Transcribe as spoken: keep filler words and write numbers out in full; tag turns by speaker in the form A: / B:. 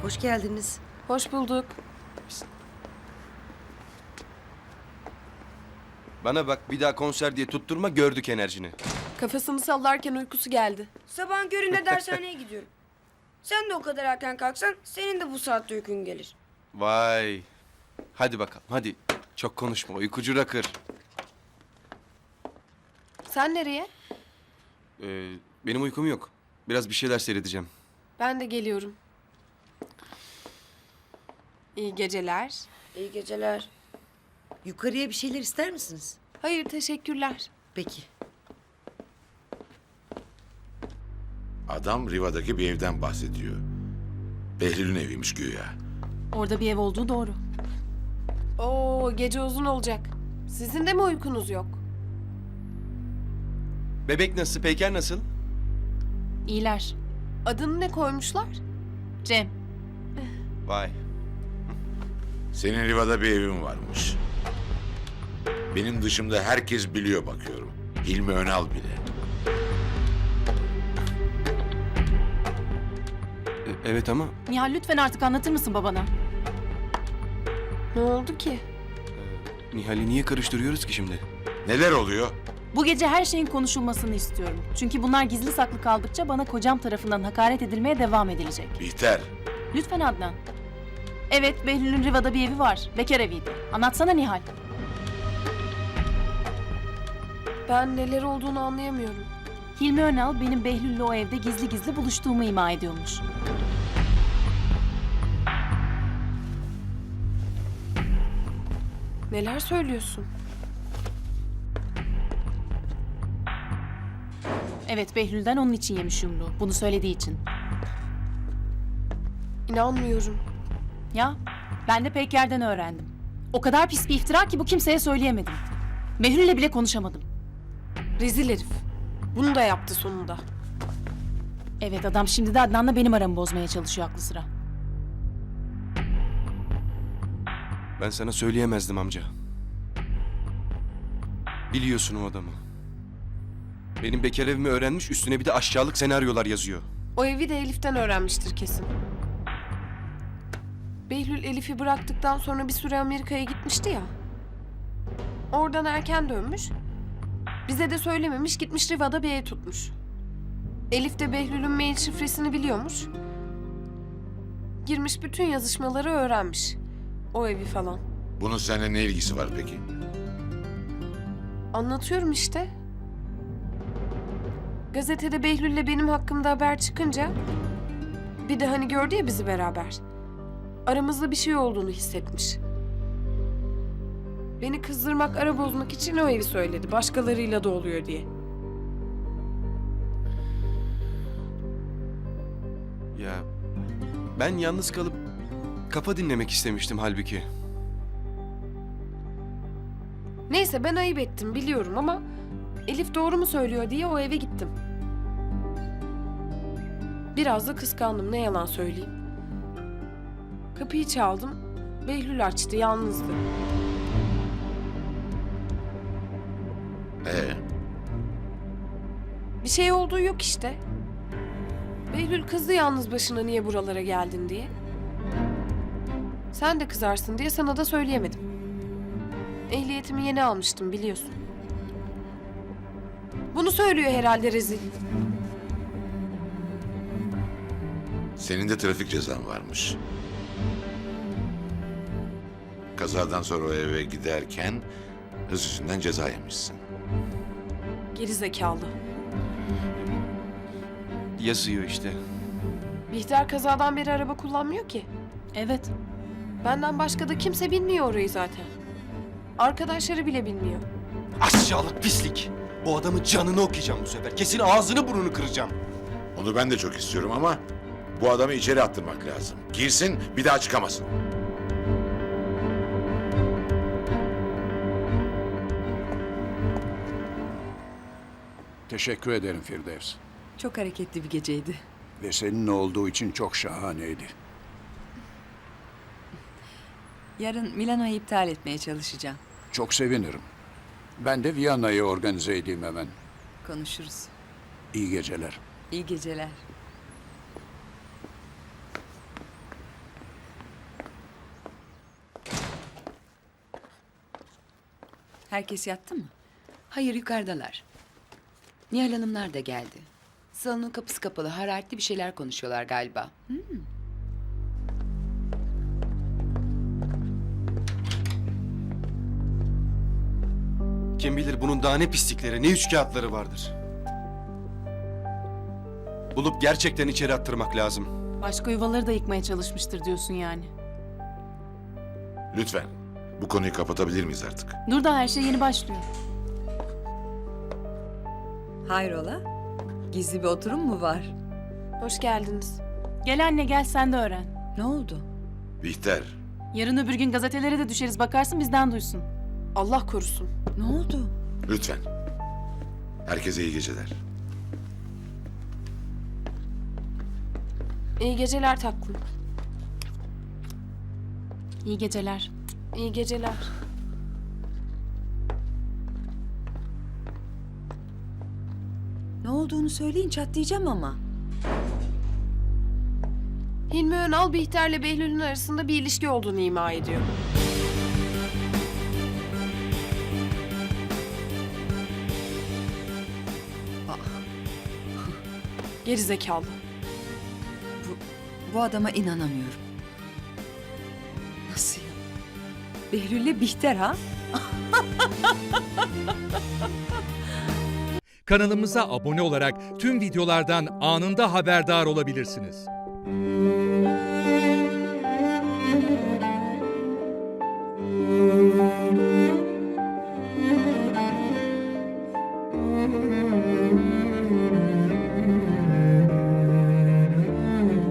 A: Hoş geldiniz.
B: Hoş bulduk.
C: Bana bak, bir daha konser diye tutturma, gördük enerjini.
B: Kafasını sallarken uykusu geldi.
D: Sabahın köründe dershaneye gidiyorum. Sen de o kadar erken kalksan senin de bu saatte uykun gelir.
C: Vay. Hadi bakalım, hadi. Çok konuşma, uykucu rakır.
B: Sen nereye?
C: Ee, benim uykum yok. Biraz bir şeyler seyredeceğim.
B: Ben de geliyorum. İyi geceler.
D: İyi geceler.
A: Yukarıya bir şeyler ister misiniz?
B: Hayır, teşekkürler.
A: Peki.
E: Adam Riva'daki bir evden bahsediyor. Behlül'ün eviymiş güya.
F: Orada bir ev olduğu doğru.
B: Oo, gece uzun olacak. Sizin de mi uykunuz yok?
C: Bebek nasıl, Peyker nasıl?
F: İyiler.
B: Adını ne koymuşlar?
F: Cem.
C: Vay.
E: Senin Riva'da bir evin varmış. Benim dışımda herkes biliyor bakıyorum. Hilmi Önal bile.
C: Ee, evet ama
F: Nihal lütfen artık anlatır mısın babana?
B: Ne oldu ki?
C: Nihal'i niye karıştırıyoruz ki şimdi?
E: Neler oluyor?
F: Bu gece her şeyin konuşulmasını istiyorum. Çünkü bunlar gizli saklı kaldıkça bana kocam tarafından hakaret edilmeye devam edilecek.
E: Bihter,
F: Lütfen Adnan. Evet, Behlül'ün Riva'da bir evi var. Bekar eviydi. Anlatsana Nihal.
B: Ben neler olduğunu anlayamıyorum.
F: Hilmi Önal benim Behlül'le o evde gizli gizli buluştuğumu ima ediyormuş.
B: Neler söylüyorsun?
F: Evet, Behlül'den onun için yemiş yumruğu. Bunu söylediği için.
B: İnanmıyorum.
F: Ya, ben de Peyker'den öğrendim. O kadar pis bir iftira ki bu kimseye söyleyemedim. Behlül'le bile konuşamadım.
B: Rezil herif. Bunu da yaptı sonunda.
F: Evet, adam şimdi de Adnan'la benim aramı bozmaya çalışıyor aklı sıra.
C: Ben sana söyleyemezdim amca. Biliyorsun o adamı. Benim bekar evimi öğrenmiş, üstüne bir de aşağılık senaryolar yazıyor.
B: O evi de Elif'ten öğrenmiştir kesin. Behlül Elif'i bıraktıktan sonra bir süre Amerika'ya gitmişti ya. Oradan erken dönmüş. Bize de söylememiş, gitmiş Riva'da bir ev tutmuş. Elif de Behlül'ün mail şifresini biliyormuş. Girmiş bütün yazışmaları öğrenmiş. O evi falan.
E: bunun seninle ne ilgisi var peki?
B: Anlatıyorum işte. Gazetede Behlül'le benim hakkımda haber çıkınca... Bir de hani gördü ya bizi beraber. Aramızda bir şey olduğunu hissetmiş. Beni kızdırmak, ara bozmak için o evi söyledi. Başkalarıyla da oluyor diye.
C: Ya ben yalnız kalıp kafa dinlemek istemiştim halbuki.
B: Neyse ben ayıp ettim biliyorum ama... Elif doğru mu söylüyor diye o eve gittim. Biraz da kıskandım, ne yalan söyleyeyim. Kapıyı çaldım. Behlül açtı, yalnızdı.
E: Ee,
B: Bir şey olduğu yok işte. Behlül kızdı yalnız başına niye buralara geldin diye. Sen de kızarsın diye sana da söyleyemedim. Ehliyetimi yeni almıştım biliyorsun. Bunu söylüyor herhalde rezil.
E: senin de trafik cezan varmış. Kazadan sonra o eve giderken hız yüzünden ceza yemişsin.
B: Geri zekalı.
C: Yazıyor işte.
B: Bihter kazadan beri araba kullanmıyor ki.
F: Evet.
B: Benden başka da kimse bilmiyor orayı zaten. Arkadaşları bile bilmiyor.
C: Aşağılık pislik. O adamın canını okuyacağım bu sefer. Kesin ağzını burnunu kıracağım.
E: Onu ben de çok istiyorum ama bu adamı içeri attırmak lazım. Girsin, bir daha çıkamasın.
G: Teşekkür ederim Firdevs.
A: Çok hareketli bir geceydi.
G: Ve senin olduğu için çok şahaneydi.
A: Yarın Milano'yu iptal etmeye çalışacağım.
G: Çok sevinirim. Ben de Viyana'yı organize edeyim hemen.
A: Konuşuruz.
G: İyi geceler.
A: İyi geceler. Herkes yattı mı?
H: Hayır, yukarıdalar. Nihal Hanımlar da geldi. Salonun kapısı kapalı, hararetli bir şeyler konuşuyorlar galiba.
C: Kim bilir bunun daha ne pislikleri, ne üçkağıtları vardır. Bulup gerçekten içeri attırmak lazım.
F: Başka yuvaları da yıkmaya çalışmıştır diyorsun yani.
E: Lütfen. Bu konuyu kapatabilir miyiz artık?
F: Dur da her şey yeni başlıyor.
A: Hayrola? Gizli bir oturum mu var?
B: Hoş geldiniz.
F: Gel anne gel sen de öğren.
A: Ne oldu?
E: Bihter,
F: Yarın öbür gün gazetelere de düşeriz bakarsın bizden duysun.
B: Allah korusun.
A: Ne oldu?
E: lütfen. Herkese iyi geceler.
B: İyi geceler taklım.
F: İyi geceler.
B: İyi geceler.
A: Ne olduğunu söyleyin, çatlayacağım ama.
B: Hilmi Önal Bihter'le Behlül'ün arasında bir ilişki olduğunu ima ediyor. Geri zekalı.
A: Bu adama inanamıyorum. Nasıl ya? Behlül'le Bihter ha?
I: Kanalımıza abone olarak tüm videolardan anında haberdar olabilirsiniz.